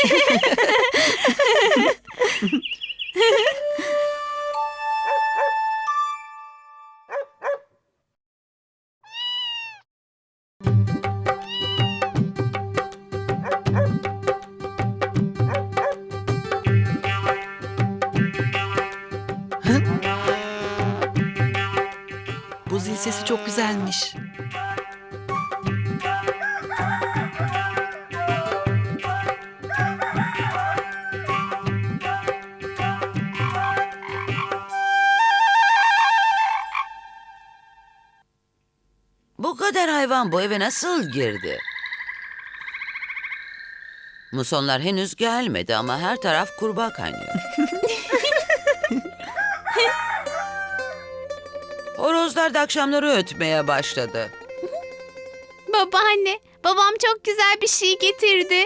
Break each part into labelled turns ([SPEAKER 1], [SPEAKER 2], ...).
[SPEAKER 1] Bu zil sesi çok güzelmiş.
[SPEAKER 2] Bu kadar hayvan bu eve nasıl girdi? Musonlar henüz gelmedi ama her taraf kurbağa kaynıyor. Horozlar da akşamları ötmeye başladı.
[SPEAKER 3] Babaanne, babam çok güzel bir şey getirdi.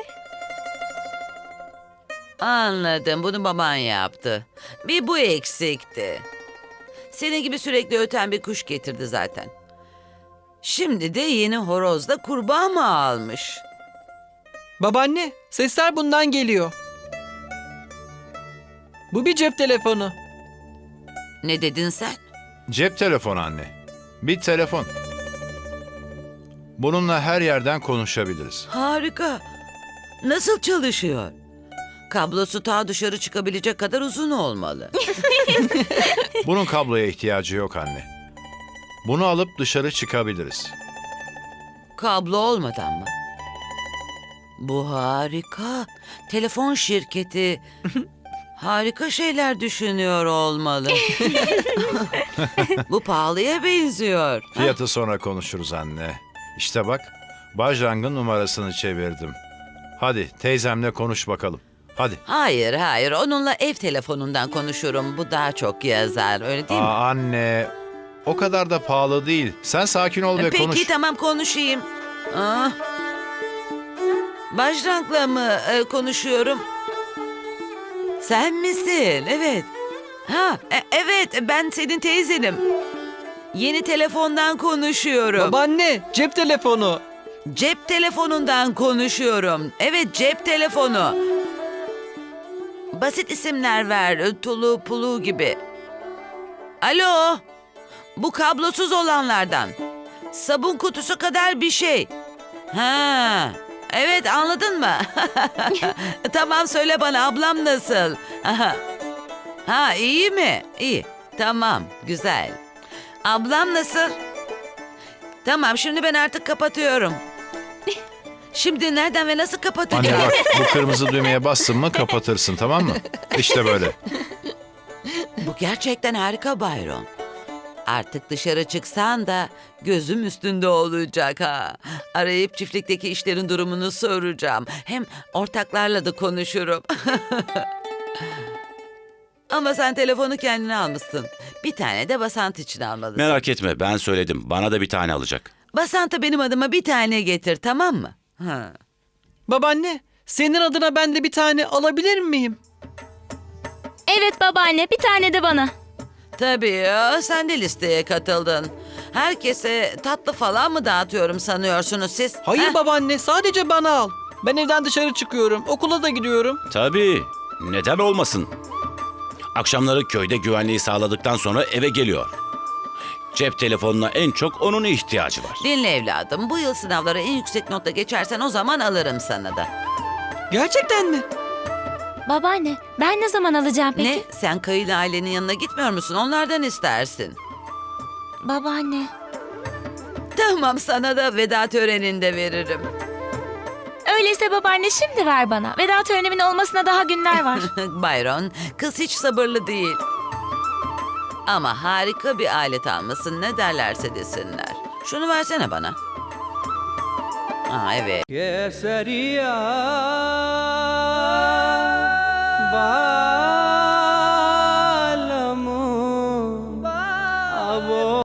[SPEAKER 2] Anladım, bunu baban yaptı. Bir bu eksikti. Senin gibi sürekli öten bir kuş getirdi zaten. Şimdi de yeni horozla kurbağa mı almış?
[SPEAKER 4] Babaanne, sesler bundan geliyor. Bu bir cep telefonu.
[SPEAKER 2] Ne dedin sen?
[SPEAKER 5] Cep telefonu anne. Bir telefon. Bununla her yerden konuşabiliriz.
[SPEAKER 2] Harika. Nasıl çalışıyor? Kablosu ta dışarı çıkabilecek kadar uzun olmalı.
[SPEAKER 5] Bunun kabloya ihtiyacı yok anne. Bunu alıp dışarı çıkabiliriz.
[SPEAKER 2] Kablo olmadan mı? Bu harika. Telefon şirketi harika şeyler düşünüyor olmalı. Bu pahalıya benziyor.
[SPEAKER 5] Fiyatı sonra konuşuruz anne. İşte bak, Bajrang'ın numarasını çevirdim. Hadi teyzemle konuş bakalım. Hadi.
[SPEAKER 2] Hayır. Onunla ev telefonundan konuşurum. Bu daha çok yazar. Öyle değil mi?
[SPEAKER 5] Anne, o kadar da pahalı değil. Sen sakin ol ve
[SPEAKER 2] Peki
[SPEAKER 5] konuş.
[SPEAKER 2] tamam konuşayım. Bajrang'la mı konuşuyorum? Sen misin? Evet. Evet ben senin teyzenim. Yeni telefondan konuşuyorum.
[SPEAKER 4] Babaanne, cep telefonu.
[SPEAKER 2] Cep telefonundan konuşuyorum. Evet cep telefonu. Basit isimler ver. Tulu pulu gibi. Alo. Bu kablosuz olanlardan. Sabun kutusu kadar bir şey. Ha. Evet anladın mı? Tamam söyle bana ablam nasıl? Ha iyi mi? İyi. Tamam güzel. Ablam nasıl? Tamam şimdi ben artık kapatıyorum. Şimdi nereden ve nasıl kapatacağım?
[SPEAKER 5] Anne bak, bu kırmızı düğmeye bastın mı kapatırsın, tamam mı? İşte böyle.
[SPEAKER 2] Bu gerçekten harika Bayron. Artık dışarı çıksan da gözüm üstünde olacak ha. Arayıp çiftlikteki işlerin durumunu soracağım. Hem ortaklarla da konuşurum. Ama sen telefonu kendine almışsın. Bir tane de Basant için almalısın.
[SPEAKER 6] Merak etme, ben söyledim. Bana da bir tane alacak.
[SPEAKER 2] Basant'a benim adıma bir tane getir, tamam mı? Ha.
[SPEAKER 4] Babaanne, senin adına ben de bir tane alabilir miyim?
[SPEAKER 3] Evet babaanne, bir tane de bana.
[SPEAKER 2] Tabii ya, sen de listeye katıldın. Herkese tatlı falan mı dağıtıyorum sanıyorsunuz siz?
[SPEAKER 4] Hayır
[SPEAKER 2] Ha?
[SPEAKER 4] babaanne, sadece bana al. Ben evden dışarı çıkıyorum, okula da gidiyorum.
[SPEAKER 6] Tabii, neden olmasın? Akşamları köyde güvenliği sağladıktan sonra eve geliyor. Cep telefonuna en çok onun ihtiyacı var.
[SPEAKER 2] Dinle evladım, bu yıl sınavları en yüksek notla geçersen o zaman alırım sana da.
[SPEAKER 4] Gerçekten mi?
[SPEAKER 3] Babaanne, ben ne zaman alacağım peki?
[SPEAKER 2] Ne? Sen Kayı'yla ailenin yanına gitmiyor musun? Onlardan istersin.
[SPEAKER 3] Babaanne.
[SPEAKER 2] Tamam, sana da veda töreninde veririm.
[SPEAKER 3] Öyleyse babaanne şimdi ver bana. Veda törenimin olmasına daha günler var.
[SPEAKER 2] Byron, kız hiç sabırlı değil. Ama harika bir alet almasın, ne derlerse desinler. Şunu versene bana. Evet.
[SPEAKER 4] Keseria